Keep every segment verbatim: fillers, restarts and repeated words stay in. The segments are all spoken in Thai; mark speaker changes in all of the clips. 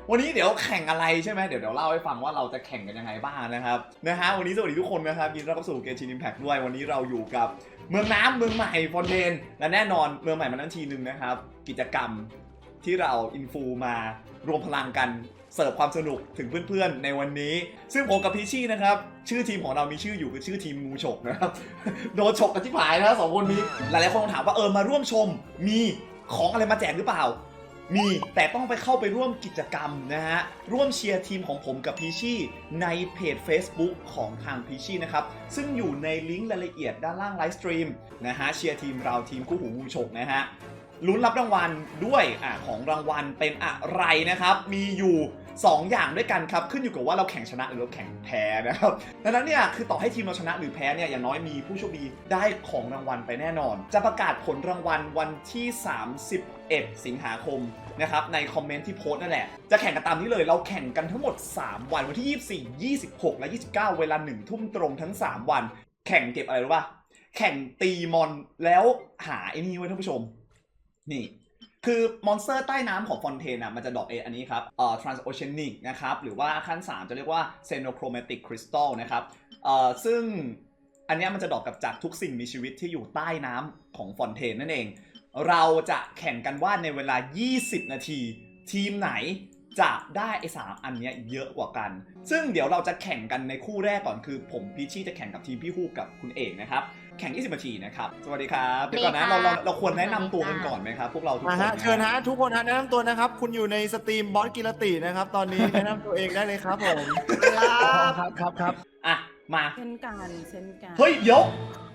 Speaker 1: วันนี้เดี๋ยวแข่งอะไรใช่ไหมเดี๋ยวเดี๋ยวเล่าให้ฟังว่าเราจะแข่งกันยังไงบ้างนะครับนะฮะวันนี้สวัสดีทุกคนนะครับยินดีต้อนรับสู่เกมชินอิมแพคด้วยวันนี้เราอยู่กับเมืองน้ำเมืองใหม่ฟอนเทนและแน่นอนเมืองใหม่มานั้นทีนึงนะครับกิจกรรมที่เราอินฟูมารวมพลังกันเสิร์ฟความสนุกถึงเพื่อนๆในวันนี้ซึ่งผมกับพีชี่นะครับชื่อทีมของเรามีชื่ออยู่คือชื่อทีมงูฉกนะครับโดนฉกกันที่ผายนะสองคนนี้หลายๆคนถามว่าเออมาร่วมชมมีของอะไรมาแจกหรือเปล่ามีแต่ต้องไปเข้าไปร่วมกิจกรรมนะฮะร่วมเชียร์ทีมของผมกับพีชี่ในเพจ Facebook ของทางพีชี่นะครับซึ่งอยู่ในลิงก์รายละเอียดด้านล่างไลฟ์สตรีมนะฮะเชียร์ทีมเราทีมคู่หูงูฉกนะฮะลุ้นรับรางวัลด้วยอ่ะของรางวัลเป็นอะไรนะครับมีอยู่สองอย่างด้วยกันครับขึ้นอยู่กับว่าเราแข่งชนะหรือเราแข่งแพ้นะครับดังนั้นเนี่ยคือต่อให้ทีมเราชนะหรือแพ้เนี่ยอย่างน้อยมีผู้โชคดีได้ของรางวัลไปแน่นอนจะประกาศผลรางวัลวันที่สามสิบเอ็ดสิงหาคมนะครับในคอมเมนต์ที่โพสต์นั่นแหละจะแข่งกันตามนี้เลยเราแข่งกันทั้งหมดสามวันวันที่ยี่สิบสี่ ยี่สิบหกและยี่สิบเก้าเวลาหนึ่งทุ่มตรงทั้งสามวันแข่งเก็บอะไรรู้ป่ะแข่งตีมอนแล้วหาไอ้นี่ไว้ท่านผู้ชมนี่คือมอนสเตอร์ใต้น้ำของฟอนเทนอ่ะมันจะดรอปเออันนี้ครับเอ่อ transoceanic นะครับหรือว่าขั้นสามจะเรียกว่า xenochromatic crystal นะครับเอ่อซึ่งอันนี้มันจะดรอปกับจากทุกสิ่งมีชีวิตที่อยู่ใต้น้ำของฟอนเทนนั่นเองเราจะแข่งกันว่าในเวลายี่สิบนาทีทีมไหนจะได้ไอ้สามอันนี้เยอะกว่ากันซึ่งเดี๋ยวเราจะแข่งกันในคู่แรกก่อนคือผมพีชี่จะแข่งกับทีมพี่ฮูกกับคุณเอกนะครับแข่งยี่สิบนาทีนะครับสวัสดีครับเดี๋ยวก่อนนะเราเราเราควรแนะนำตัวกันก่อนไหมครับพวกเราทุกคน
Speaker 2: เชิญฮะทุกคนฮะแนะนำตัวนะครับคุณอยู่ในสตรีมบอสกิรตินะครับตอนนี้ แนะนำตัวเองได้เลยครับผมครับครับครับ
Speaker 1: อ่ะมา
Speaker 3: เช่นกันเช่นกัน
Speaker 1: เฮ้ยเดี๋ยว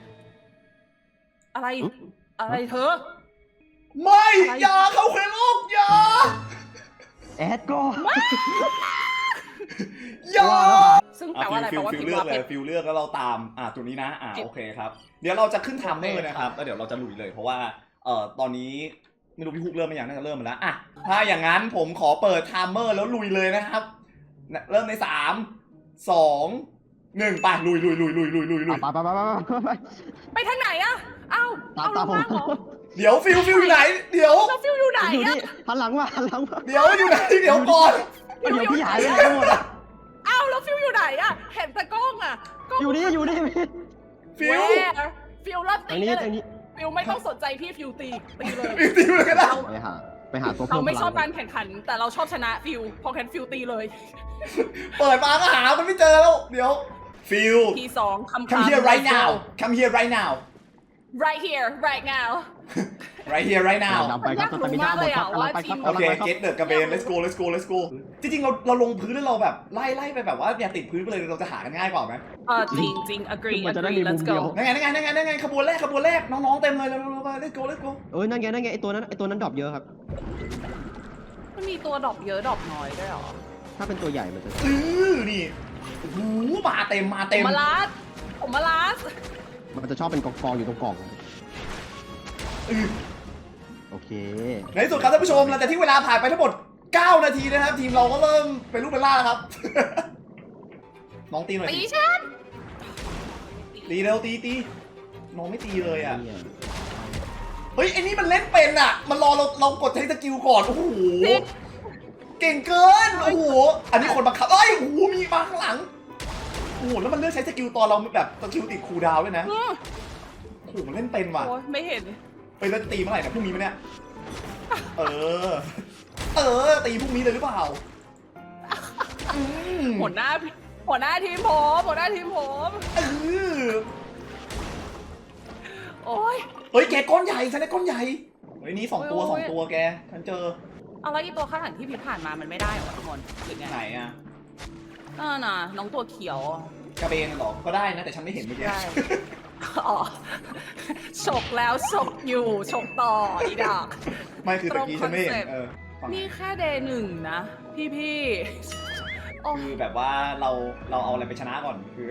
Speaker 3: อะไรอะไรเธอ
Speaker 1: ไม่อย่าเข้าเควโลกอย่า
Speaker 4: แอดก็
Speaker 1: อย่า
Speaker 3: ซึ่งแปลว่าอะไรแปลว่า
Speaker 1: ฟิล
Speaker 3: พิม
Speaker 1: เลื
Speaker 3: พ์
Speaker 1: อก
Speaker 3: ว่า
Speaker 1: เล
Speaker 3: เป็
Speaker 1: ย
Speaker 3: น
Speaker 1: ฟิลเลือกแล้วเราตามอ่ะตัวนี้นะอ่ะ
Speaker 3: โอเค
Speaker 1: โอเคครับเดี๋ยวเราจะขึ้นไทม์เมอร์
Speaker 3: โอเค
Speaker 1: นะครับแล้วเดี๋ยวเราจะลุยเลยเพราะว่าเอ่อตอนนี้ไม่รู้พี่ฮุกเริ่มไหมยังน่าจะเริ่มมาแล้วอ่ะถ้าอย่างนั้นผมขอเปิดไทม์เมอร์แล้วลุยเลยนะครับเริ่มในสามสองหนึ่งไปลุยลุยลุยลุยลุยลุยลุย
Speaker 4: ไปไปไปไปไป
Speaker 3: ไปทางไหนอะเอ้า
Speaker 4: ตาม
Speaker 3: เอาล
Speaker 4: ตาม
Speaker 3: ง
Speaker 4: ผม
Speaker 3: มาเหรอ
Speaker 1: เดี๋ยวฟิลฟิลอยู่ไหนเดี๋ยว
Speaker 3: เราฟิวอยู่ไหน
Speaker 4: อยู่
Speaker 3: อะ
Speaker 4: นี่หันหลังมาหันหลังมา
Speaker 1: เดี๋ยวอยู่ไหนเดี๋ยวก่อน
Speaker 4: เดี๋ยวพี่หายไปไหนหมดอ่ะ
Speaker 3: เอ้าแล้วฟิวอยู่ไหนอะเห็นแต่กล้องอะกล้อง
Speaker 4: อยู่นี่อยู่นี่
Speaker 1: ฟิล
Speaker 3: แหวฟิวรับ
Speaker 4: ตร
Speaker 3: ตี
Speaker 4: งนี้
Speaker 3: เล
Speaker 4: ตรง
Speaker 3: ย
Speaker 4: นี้
Speaker 3: ฟิวไม่ต้องสนใจพี่ฟิวตีตีเลย
Speaker 1: ฟิลตีมือกันได้
Speaker 4: ไปหาไปหาตัว
Speaker 3: เราไม่ชอบ
Speaker 4: พ
Speaker 3: กา
Speaker 4: ลั
Speaker 3: รง แข่งขันแต่เราชอบชนะฟิวพอแข่งฟิวตีเลย
Speaker 1: เปิดมาก็หามันไม่เจอแล้วเดี๋ยวฟิล
Speaker 3: ทีสองคำ
Speaker 1: come here right now come here right now
Speaker 3: right here right now
Speaker 1: right here right now
Speaker 4: นำไปครับตอนนี้หน้าหมดครับกำลังไปครับ
Speaker 1: โอเค
Speaker 4: กำลังไปครับ
Speaker 1: get the กระเบน let's go let's go let's go จริงๆเราเราลงพื้นแล้วเราแบบไล่ไล่ไปแบบว่าอย่าติดพื้นไปเลยเราจะหากันง่ายกว่าไหม
Speaker 3: เออจริงจริง agree
Speaker 4: มันจะได้
Speaker 3: agree
Speaker 4: มีมุ
Speaker 3: let's
Speaker 4: มเดี
Speaker 3: go
Speaker 4: ยว
Speaker 1: นั่นไงนั่นไงนั่นไงนั่นไงขบวนแรกขบวนแรกน้องๆเต็มเลยเร็วๆไป let's go let's go
Speaker 4: เอ้ยนั่นไงนั่นไงไอตัวนั้นไอตัวนั้นดรอปเยอะครับ
Speaker 3: มันมีตัวดรอปเยอะดรอปน้อยด้วยเหรอ
Speaker 4: ถ้าเป็นตัวใหญ่มันจะ
Speaker 1: อือนี่โอ้โหมาเต็มมา
Speaker 3: ผ
Speaker 1: เต็
Speaker 3: ม
Speaker 1: ม
Speaker 3: มาลาสผมมาลาส
Speaker 4: มันจะชอบเป็นกองๆอยู่ตรงกล่อง
Speaker 1: อือ
Speaker 4: โอเค
Speaker 1: ในที่สุดครับท่านผู้ชมหลังจากที่เวลาผ่านไปทั้งหมดเก้านาทีนะครับทีมเราก็เริ่มเป็นลูกเป็นล่าแล้วครับ น้องตีหน่อย
Speaker 3: ตี
Speaker 1: สิ
Speaker 3: ฉัน
Speaker 1: ตีเร็วตีตีน้องไม่ตีเลยอ่ะ
Speaker 4: เนี่ย
Speaker 1: เฮ้ยไอ้นี่มันเล่นเป็นอ่ะมันรอเราเรากดใช้สกิลก่อนโอ้โหเก่งเกินโอ้โหอันนี้คนบังคับเอ้ยโอ้โหมีมาข้างหลังโอ้โหแล้วมันเลือกใช้สกิลตอนเราแบบสกิลติดคูลดาวน์ด้วยนะ
Speaker 3: อืม
Speaker 1: โอ้โหมันเล่นเป็นว่ะ
Speaker 3: โอ้ยไม่เห็น
Speaker 1: ไปแล้วตีเมื่อไหร่นะพรุ่งนี้มั้ยเนี่ยเออเออตีพรุ่งนี้เลยหรือเปล่าอืม
Speaker 3: หัวหน้าหัวหน้าทีมผมหัวหน้าทีมผม
Speaker 1: เออ
Speaker 3: โอ้ย
Speaker 1: เฮ้ยแกก้อนใหญ่ฉันได้ก้อนใหญ่เฮ้ยนี่สองตัว
Speaker 3: โอ้ย
Speaker 1: สองตัวแกฉันเจอ
Speaker 3: เอาแล้วอีตัวข้างหลังที่พิมผ่านมามันไม่ได้เหรอทุกคนหรือไง
Speaker 1: ไหนอ่ะ
Speaker 3: น่าน่ะน้องตัวเขียว
Speaker 1: กระเบนเหรอก็ได้นะแต่ฉันไม่เห็นเมื่อกี้
Speaker 3: ได้ อ๋อฉกแล้วฉกอยู่ฉกต่ออีดอก
Speaker 1: ไม่คือตะกี้ฉันไม่เห็น
Speaker 3: ตรงคอนเซ็ปต์
Speaker 1: เออฝั่ง
Speaker 3: นี่แค่เดย์หนึ่งนะ พี่พี่ๆโอ้
Speaker 1: คือแบบว่าเราเราเอาอะไรไปชนะก่อนคือ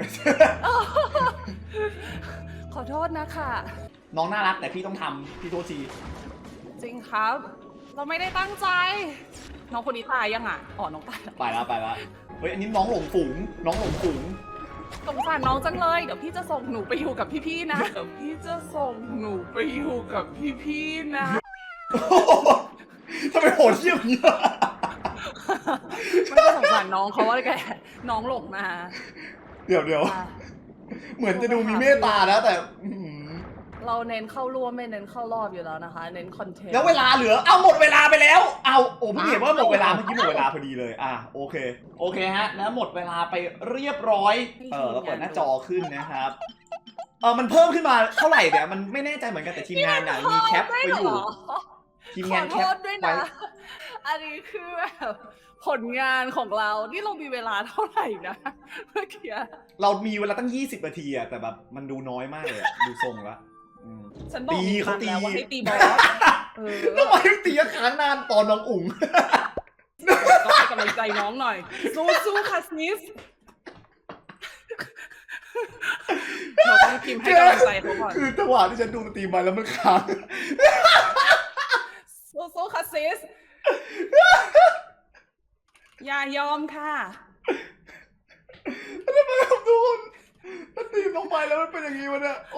Speaker 3: ขอโทษนะคะ
Speaker 1: น้องน่ารักแต่พี่ต้องทำพี่โทษที
Speaker 3: จริงครับ เราไม่ได้ตั้งใจ น้องคนนี้ตายยังอ่ะอ๋อน้องตายแล้ว
Speaker 1: ไปแล้วไปแล้วเฮ้ยอันนี้น้องหลงฝูงน้องหลงฝูง
Speaker 3: สงสารน้องจังเลย เดี๋ยวพี่จะส่งหนูไปอยู่กับพี่ๆนะ เดี๋ยวพี่จะส่งหนูไปอยู่กับพี่ๆนะ
Speaker 1: ทำไมโหดเยี่ยมเนี้ย
Speaker 3: ไม่ได้สงสารน้องเขาว่าแกน้องหลงมา
Speaker 1: เดี๋ยวเดี๋ยว
Speaker 3: อ่ะ
Speaker 1: เหมือนจะดูมีเมตตานะแต่อื้อหือ
Speaker 3: เราเน้นเข้าร่วมไม่เน้นเข้ารอบอยู่แล้วนะคะ เน้นคอนเทนต์
Speaker 1: แล้วเวลาเหลือเอาหมดเวลาไปแล้วเอาโอ้เพิ่งเห็นว่าหมดเวลาเมื่อกี้หมดเวลาพอดีเลยอ่ะโอเคโอเคฮะแล้วหมดเวลาไปเรียบร้อยเออเราเปิดหน้าจอขึ้นนะครับเออมันเพิ่มขึ้นมาเท่าไหร่เนี่ยมันไม่แน่ใจเหมือนกันแต่ทีมงานน่ะมีแคปไว้อยู่ทีมงาน
Speaker 3: ข
Speaker 1: แค
Speaker 3: อ
Speaker 1: ป
Speaker 3: โทษด้วย
Speaker 1: ไว้
Speaker 3: นะ อันนี้คือแบบผลงานของเรา นี่เรามีเวลาเท่าไหร่นะเมื่อกี้
Speaker 1: เรามีเวลาตั้งยี่สิบนาทีอะแต่แบบมันดูน้อยมากเลยอะดูทรงละอืม
Speaker 3: ฉันบอก
Speaker 1: ตี
Speaker 3: มี
Speaker 1: เขา
Speaker 3: มัน
Speaker 1: ตี
Speaker 3: แล้วว่าให้ตีบอสเออ
Speaker 1: ทำไมตีค้างนานตอนน้องอุ๋ง
Speaker 3: ก็ให้กำลังใจน้องหน่อย สู้สู้ค่ะซิสเราต้องพิมพ์ให้กำลังใจเขาก่อน
Speaker 1: คือจังหวะที่ฉันดูสตรีมไปแล้วมันค้าง
Speaker 3: สู้สู้ค่ะซิสอย่ายอมค่ะ
Speaker 1: แล้วมันทำทุกคนสตรีมลงไปแล้วมันเป็นอย่างนี้วะเนี่ยโอ้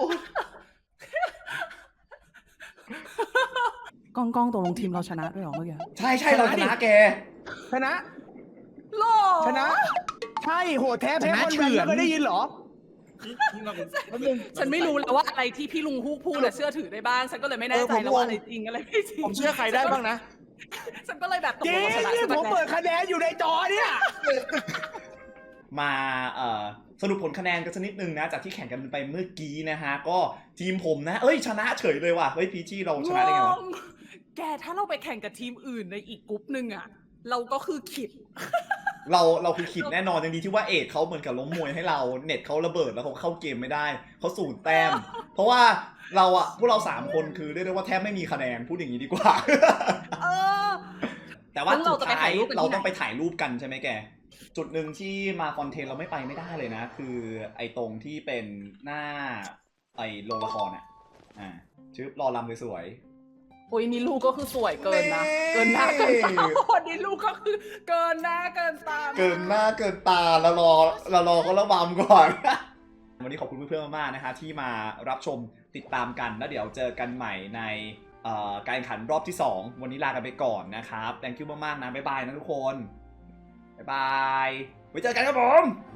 Speaker 3: กล้องกล้องตกลงทีมเราชนะด้วยเหรอเมื่อกี้
Speaker 1: ใช่ใช่เราชนะแก
Speaker 2: ชนะ
Speaker 3: หรอ
Speaker 2: ชนะ ใช่โหแท้แพ้คนแบนไม่เคยได้ยินเหรอ
Speaker 3: ฉันไม่รู้แล้วว่าอะไรที่พี่ลุงฮูกพูดอะเชื่อถือได้บ้าง ฉันก็เลยไม่แน่ใจ
Speaker 2: เออผม
Speaker 3: แล้วว่า
Speaker 2: งง
Speaker 3: อะไรจริงอะไรไม่จริง
Speaker 2: ผมเชื่อใครได้บ้างนะ
Speaker 3: ฉันก็เลยแบบตก
Speaker 2: จ
Speaker 3: ล
Speaker 2: ริ
Speaker 3: ง
Speaker 2: ง
Speaker 3: ว่าชนะ
Speaker 2: นี่
Speaker 3: ใช่ไห
Speaker 2: ผมเปิดคะแนนอยู่ในจอเนี่ย
Speaker 1: มาเอ่อสรุปผลคะแนนกันสักนิดนึงนะจากที่แข่งกันไปเมื่อกี้นะฮะก็ทีมผมนะเอ้ยชนะเฉยเลยว่ะเฮ้ยพีจีเราชนะได้ไงวะ
Speaker 3: งงแกถ้าเราไปแข่งกับทีมอื่นในอีกกรุ๊ปหนึ่งอะเราก็คือขิด
Speaker 1: เราเราคือขิดแน่นอนอย่างดีที่ว่าเอกเขาเหมือนกับล้มมวยให้เราเน็ตเขาระเบิดแล้วเขาเข้าเกมไม่ได้เขาสูญแต้ม เพราะว่าเราอะพวกเราสามคนคือเรียกได้ว่าแทบไม่มีคะแนนพูดอย่างนี้ดีกว่า
Speaker 3: เออ
Speaker 1: แต่ว่า
Speaker 3: งั้นเรา
Speaker 1: สุด
Speaker 3: จะไป
Speaker 1: ท้า
Speaker 3: ถ่าย ยรูปกันที่ไหน
Speaker 1: เราต้องไปถ่ายรูปกันใช่ไหมแก จุดหนึ่งที่มาคอนเทนต์เราไม่ไปไม่ได้เลยนะ คือไอ้ตรงที่เป็นหน้าไอ้โรงละครเนี่ยอ่าชื่อรอลำสวย
Speaker 3: โอ้ยนี่ลูกก็คือสวยเกินนะ เกินหน้าเกินตาโอ้ยนี่ลูกก็คือเกินหน้าเกินตา
Speaker 1: ๆเกินหน้าเกินตาเรารอเรารอก็ระบำก่อน วันนี้ขอบคุณเพื่อนๆมากๆนะคะที่มารับชมติดตามกันแล้วเดี๋ยวเจอกันใหม่ในเอ่อการแข่งขันรอบที่สองวันนี้ลากันไปก่อนนะครับ thank you มากๆนะบ๊ายบายนะทุกคนบ๊ายบายไว้เจอกันครับผม